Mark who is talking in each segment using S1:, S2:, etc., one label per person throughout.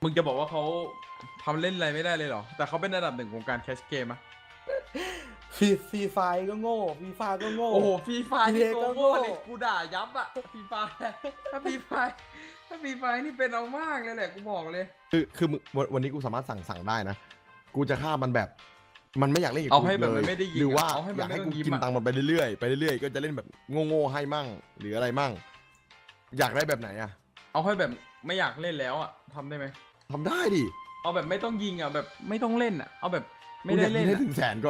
S1: มึงจะบอกว่าเขาทำเล่นอะไรไม่ได้เลยเหรอแต่เขาเป็นอันดับหนึ่งของการแคชเกมอะ
S2: ฟรีไฟก็โง่ฟรีไฟก็โง่
S1: โอ้โหฟรีไฟนี่
S2: PA
S1: ตัว
S2: ก็โง่
S1: โง่เลยกูด่ายับอะฟรีไฟถ้าฟรีไฟถ้าฟรีไฟนี่เป็นเอามากเลยแหละกูบอกเลย
S3: คือมึงวันนี้กูสามารถสั่งได้นะกูจะฆ่ามันแบบมันไม่อยากเล่นกับ
S1: เอา
S3: กู
S1: ให้
S3: อีก
S1: แบบ
S3: เล
S1: มั
S3: ย
S1: นไม่ได้ยิง
S3: หรือว่า
S1: เอาให้
S3: อ
S1: มัน
S3: ยาก
S1: ไม่
S3: ให้
S1: ต้
S3: กู
S1: องยิ้ม
S3: กิน
S1: อะ
S3: ตังค์มันไปเรื่อยๆไปเรื่อยๆก็จะเล่นแบบโง่ๆให้มั่งหรืออะไรมั่งอยากได้แบบไหนอะ
S1: เอาให้แบบไม่อยากเล่นแล้วอะทำได้ไหม
S3: ทำได้ดิ
S1: เอาแบบไม่ต้องยิงอะแบบไม่ต้องเล่นอะเอาแบบไม่
S3: กูอ
S1: ได้
S3: ยาก
S1: เล่
S3: กิ
S1: น
S3: นให้
S1: อะ
S3: ถึงแสนก่อน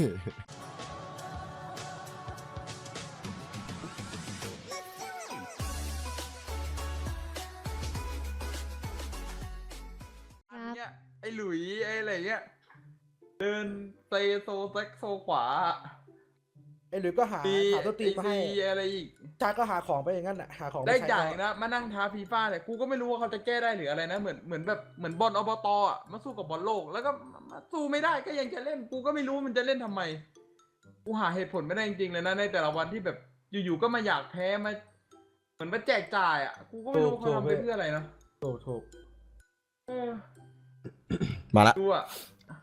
S1: อันเนี้ยไอ้หลุยไอ้อะไรเงี้ยเดินเซโซแซกโซขวา
S2: ไอ้หรือก็หา
S1: มี
S2: ตัวตีนมาให้
S1: ซีอะไรอีก
S2: ชาก็หาของไปอย่างนั้นแหละหาของ
S1: ได้
S2: ใช้
S1: จ่าย
S2: ก็
S1: นะมานั่งท้าฟีฟ่าเนี่ยกูก็ไม่รู้ว่าเขาจะแก้ได้หรืออะไรนะเหมือนแบบเหมือนบอลอบตอ่ะมาสู้กับบอลโลกแล้วก็มาสู้ไม่ได้ก็ยังจะเล่นกูก็ไม่รู้มันจะเล่นทำไมกูหาเหตุผลไม่ได้จริงๆเลยนะในแต่ละวันที่แบบอยู่ๆก็มาอยากแพ้มาเหมือนมาแจกจ่ายอ่ะกูก็ไม่รู้เขาทำไปเพื่ออะไรนะ
S2: ถูก
S1: เออ
S3: มาละ
S1: ดูอ่ะ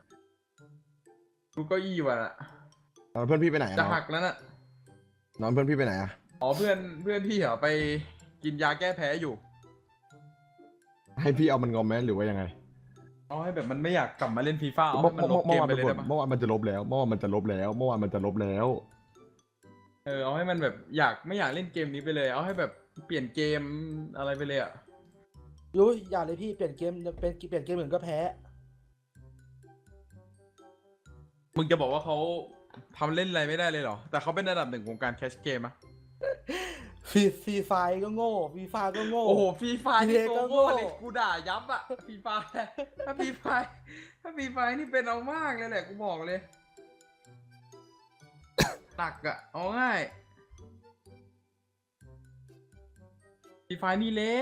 S1: ดูเก็อี้ว่ะน่ะ
S3: เพื่อนพี่ไปไหนอะ
S1: จะ
S3: น้อง
S1: หักแล้วน่ะ
S3: น้องเพื่อนพี่ไปไหนอะ
S1: อ๋อเพื่อนพี่เหรอไปกินยาแก้แพ้อยู่
S3: ให้พี่เอามันงอมไหมหรือว่ายังไง
S1: เอาให้แบบมันไม่อยากกลับมาเล่นฟีฟ่าเอาให้มันลบเกมไปเลยได้ปะ
S3: เมื่อวานมันจะลบแล้วเมื่อวานมันจะลบแล้วเมื่อวานมันจะลบแล้ว
S1: เอาให้มันแบบไม่อยากเล่นเกมนี้ไปเลย เอาให้แบบเปลี่ยนเกมอะไรไปเลยอ่ะ
S2: ยุ้ยอย่าเลยพี่เปลี่ยนเกมเปลี่ยนเกมอื่นก็แพ้
S1: มึงจะบอกว่าเขาทำเล่นอะไรไม่ได้เลยเหรอ แต่เขาเป็นอันดับหนึ่งของการแคชเกมอะ
S2: ฟรีไฟก็โง่ฟรีไฟก็โง่
S1: โอ้โหฟรีไฟนี่
S2: PA
S1: ตัว
S2: ก็
S1: โง่
S2: โง่
S1: เลยกูด่ายับอะฟรีไฟถ้าฟรีไฟถ้าฟรีไฟนี่เป็นเอามากเลยแหละกูบอกเลยหนักอะเอาง่ายฟรีไฟนี่เละ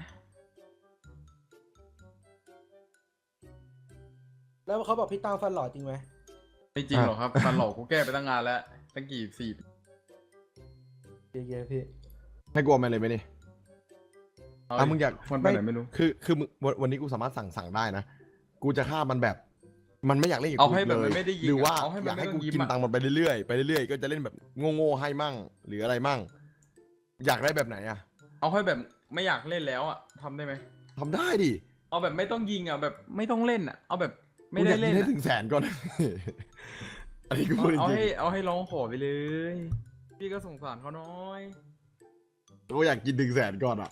S2: แล้วเขาบอกพี่ตั้งฟันหล่อจริงไหม
S1: ไม่จริงหรอกครับมันหลอกกูแก้ไปตั้งนานแล้วตั้งกี่สี่
S2: เย้ๆพี่
S3: ให้กูเอามาเลยไหมนี่ มึงอยาก
S1: มันไปไหนไม่รู้
S3: คือมึงวันนี้กูสามารถสั่งได้นะกูจะฆ่ามันแบบมันไม่อยากเล่นกับ
S1: เอา
S3: กู
S1: ให้
S3: อีก
S1: แบบ
S3: เล
S1: มั
S3: ย
S1: นไม่ได้ยิง
S3: หรือว่า
S1: เอาให้มัน
S3: อยากให้
S1: ไม่ต้
S3: กู
S1: องยิ้ม
S3: กิน
S1: อะ
S3: ตังค์มันไปเรื่อยๆไปเรื่อยๆก็จะเล่นแบบโง่ๆให้มั่งหรืออะไรมั่งอยากได้แบบไหนอะ
S1: เอาให้แบบไม่อยากเล่นแล้วอ่ะทำได้ไหม
S3: ทำได้ดิ
S1: เอาแบบไม่ต้องยิงอ่ะแบบไม่ต้องเล่นอ่ะเอาแบบไม่
S3: กูอ
S1: ได้
S3: ยากกิ
S1: เล่
S3: น
S1: น
S3: ให้
S1: อะ
S3: ถึงแสนก่อน อันนี้กูพูดจ
S1: เอา
S3: ริง
S1: ให้ร้องขอไปเลย พี่ก็สงสารเขาน้อย
S3: ๆกูอยากกินถึงแสนก่อนอะ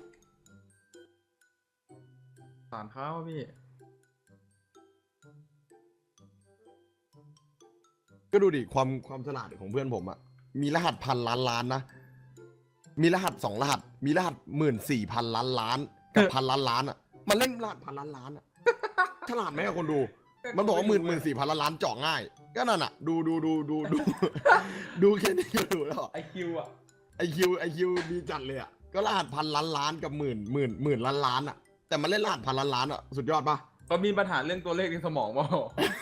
S1: สงสารเขาพี่
S3: ก็ดูดิความฉลาดของเพื่อนผมอะมีรหัสพันล้านล้านนะมีรหัส2 รหัสมีรหัส14,000 ล้านล้านกับพันล้านล้านอะมันเล่นรหัสพันล้านล้านอะฉลาดไหมอะคนดู มันบอกว่า14,000 ล้านล้านเจาะง่าย ก็นั่นอะดูดูแค่นี้ก็ดูแล้ว
S1: ไอคิวอ่ะ
S3: ไอคิวดีจัดเลยอะก็รหัสพันล้านล้านกับหมื่นล้านล้านอะแต่มันเล่นรหัสพันล้านล้านอะสุดยอดปะ
S1: ก็มีปัญหาเรื่องตัวเลขในสมองมั้ง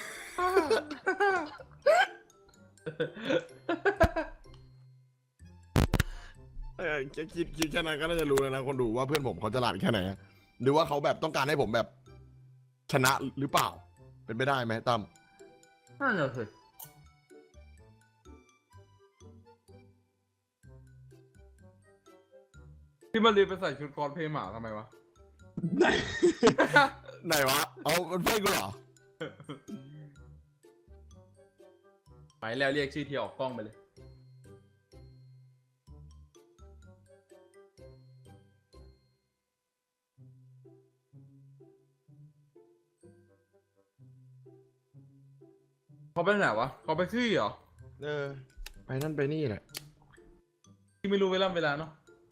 S3: แค่คิดแค่นั้นก็น่าจะรู้แล้วนะคนดูว่าเพื่อนผมเขาฉลาดแค่ไหนอะหรือว่าเขาแบบต้องการให้ผมแบบชนะหรือเปล่า เป็นไปได้ไหมตั้ม
S1: นั่นแหละสิพี่มารีไปใส่ชุดคอสเพลย์หมาทำไมวะ
S3: ไหน ไหนวะเอามันเพื่อนกูเหรอ
S1: ไปแล้วเรียกชื่อเทียออกกล้องไปเลย เขาไปไหนวะเขาไปขี้เหรอ
S3: ไปนั่นไปนี่แหละ
S1: ที่ไม่รู้เวลาเนาะ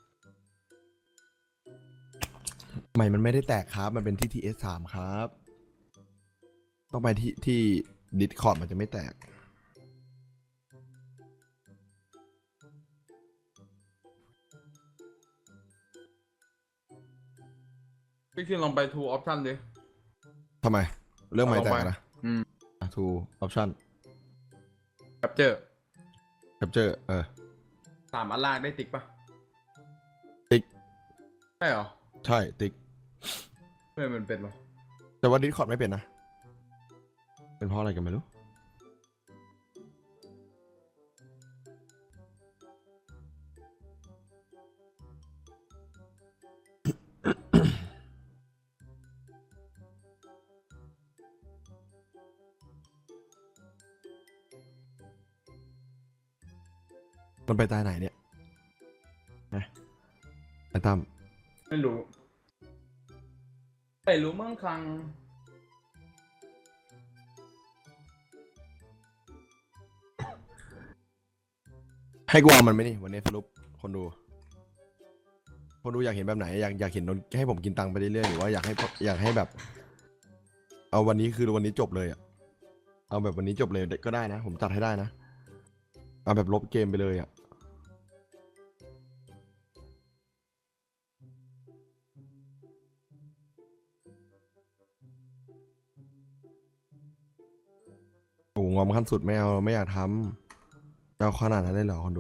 S3: ไม่มันไม่ได้แตกครับ มันเป็นที่ TS3 ครับ ต้องไปที่ Discord มันจะไม่แตก
S1: พี่คิดลองไป Two Option ดิ
S3: ทำไม เรื่องไม่แตก
S1: เอาลงไป
S3: นะ
S1: อืม
S3: To option
S1: Capture
S3: capture
S1: 3 อันลากได้ติ๊กปะ
S3: ติ๊ก
S1: ใช่เหรอ
S3: ใช่ติ๊ก
S1: เพื่อนมันเป็นปะ
S3: ก็แต่ว่าดิสคอร์ดไม่เป็นนะ เป็นเพราะอะไรกันไม่รู้ มันไปตายไหนเนี่ยนะไอ้ตั้ม
S1: ไม่รู้ไม่รู้มั่งคัง
S3: ให้กูเอามันไหมนี่วันนี้สรุปคนดู คนดูอยากเห็นแบบไหน อยากเห็นนนให้ผมกินตังค์ไปเรื่อยๆหรือว่าอยากให้แบบ เอาวันนี้คือวันนี้จบเลยอะเอาแบบวันนี้จบเลยก็ได้นะ ผมจัดให้ได้นะ เอาแบบลบเกมไปเลยอะโอ้งอมขั้นสุดไม่เอาไม่อยากทำจะเอาขนาดนั้นเลยเหรอคนดู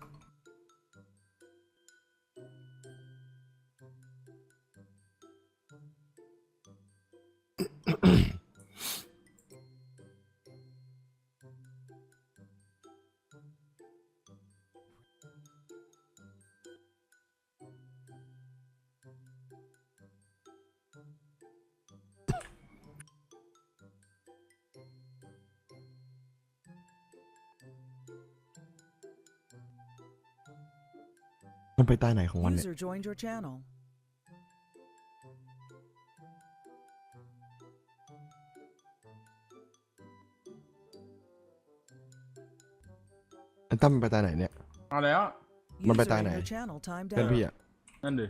S3: มันไปใต้ไหนของวันเนี่ย
S4: User joined your channel.
S3: ไอ้ตั้มมันไปใต้ไหนเนี่ย
S1: เอาแล้ว
S3: มันไป
S4: User
S3: ตาย
S4: in
S3: ไหน
S4: your channel timed
S3: เพื่อน
S4: out.
S3: พี่อะ
S1: นั่นดิ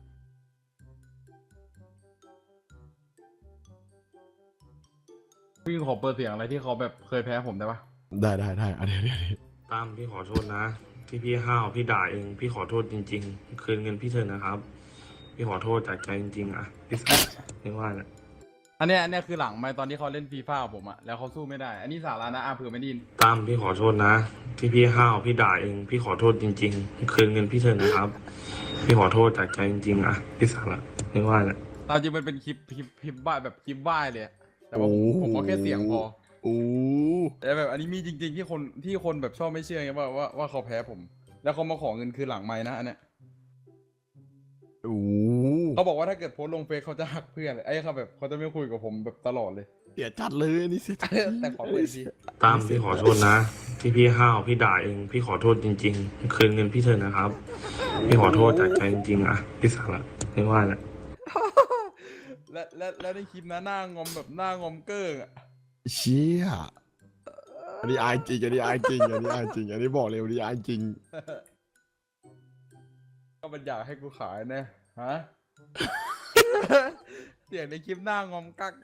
S1: พี่ขอเปิดเสียงอะไรที่เขาแบบเคยแพ้ผมได้ปะ
S3: ได้อันนี้
S5: ตั้มพี่ขอโทษนะ ที่พี่ห้าวพี่ด่าเองพี่ขอโทษจริงๆ คืนเงินพี่เถอะนะครับ พี่ขอโทษจากใจจริงๆอ่ะพี่สัสไม่ว่านะ
S1: อันเนี้ยคือหลังไม่ตอนที่เขาเล่นฟีฟ่าผมอะแล้วเขาสู้ไม่ได้ อันนี้สาระนะเผื่อไม่ไดยิน
S5: ตั้มพี่ขอโทษนะ ที่พี่ห้าวพี่ด่าเองพี่ขอโทษจริงๆ คืนเงินพี่เถอะนะครับ พี่ขอโทษจากใจจริงๆอ่ะพี่สัสละไม่ว่านะ
S1: ตามจริงมันเป็นคลิปบ้าแบบคลิปบ้าเลยอะแต่ว่าผมก็แค่เสียงพอ
S3: โอ้
S1: แต่แบบอันนี้มีจริงๆที่คนแบบชอบไม่เชื่อไงว่าเขาแพ้ผม แล้วเขามาขอเงินคืนหลังไม้นะอันเนี้ย
S3: โอ้
S1: เขาบอกว่าถ้าเกิดโพสต์ลงเฟซเขาจะหักเพื่อนเลยไอ้เขาแบบเขาจะไม่คุยกับผมแบบตลอดเลย
S3: เสียจัดเลยอันนี่เสียจัด
S1: แต่ขอเปิดที
S5: ตั้มพี่ขอโทษนะ ที่พี่ห้าวพี่ด่าเองพี่ขอโทษจริงๆ คืนเงินพี่เถอะนะครับ พี่ขอโทษจากใจจริงๆอ่ะพี่สัสละไม่ว่านะ
S1: และในคลิปนะหน้างอมแบบหน้างอมเกิ้งอะ
S3: เชี่ยอันนี้อายจริงอันนี้อายจริงอันนี้อายจริงอันนี้บอกเลยอันนี้อายจริง
S1: ก็มันอยากให้กูขายนะฮะ เสียงในคลิปหน้างอมกักอะ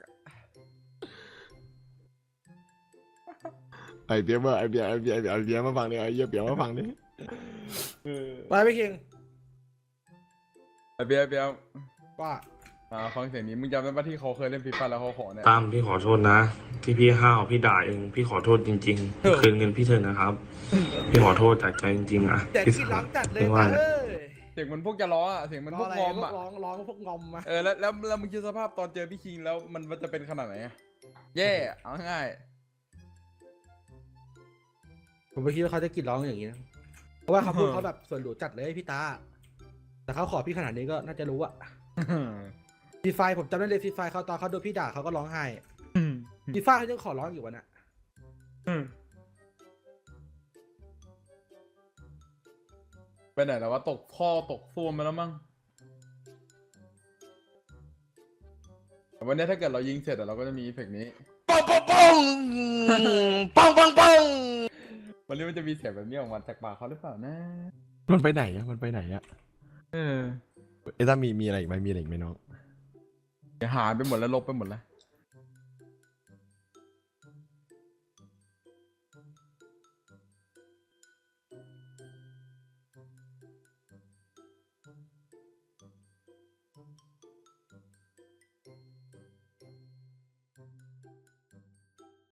S3: ไอเบียร์มาไอเบียร์มาฟังดิไอเบียร์มาฟังดิ
S2: ไปพี่คิง
S1: ไอเบียร์
S2: ว่า
S1: ฟังเสียงนี้มึงจำได้ปะที่เขาเคยเล่นฟีฟ่าแล้วเขาขอเนี่ย
S5: ตั้มพี่ขอโทษนะ ที่พี่ห้าวพี่ด่าเองพี่ขอโทษจริงๆ คืนเงินพี่เถอะนะครับ พี่ขอโทษจากใจจริงๆอ่ะ
S2: แต่
S5: พี่
S2: ที่
S5: สั
S2: ร้อ
S5: ส
S2: งจัดเลย
S5: ไม่ว่า
S2: นะ
S5: นะ
S2: เอ้ย
S1: เสียงมันพวกจะล้ออะเสียงมันพวกงอม
S2: พว
S1: อะ
S2: กร้องพวกงอมมา
S1: แล้วมึงคิดสภาพตอนเจอพี่คิงแล้วมันจะเป็นขนาดไหนอะแย่เอาง่าย
S2: ผมไม่คิดว่าเขาจะกรีดร้องอย่างนี้นะเพราะว่าเขาพูดเขาแบบส่วนหลวจัดเลยพี่ตา แต่เขาขอพี่ขนาดนี้ก็น่าจะรู้อะ
S1: ๆ
S2: ฟีไฟผมจำได้เลยฟีไฟเขาตอนเขาโดนพี่ด่าเขาก็ร้องไห้ฟีไฟเขายังขอร้องอยู่วะน่ะ
S1: ไปไหนแล้ววะตกท่อตกซ่วมไปแล้วมั้งแต่วันนี้ถ้าเกิดเรายิงเสร็จอะเราก็จะมีอีเฟกต์นี้
S3: ปังปัง
S1: วันนี้มันจะมีเสียงแบบนี้ออกมาจากปากเขาหรือเปล่านะ
S3: มันไปไหนอะมันไปไหนอะ
S1: เออ
S3: ไอ้ตั้มมีอะไรอีกไหมมีอะไรอีกไหมน้อง
S1: เดี๋ยวหายไปหมดแล้วลบไปหมดแล้ว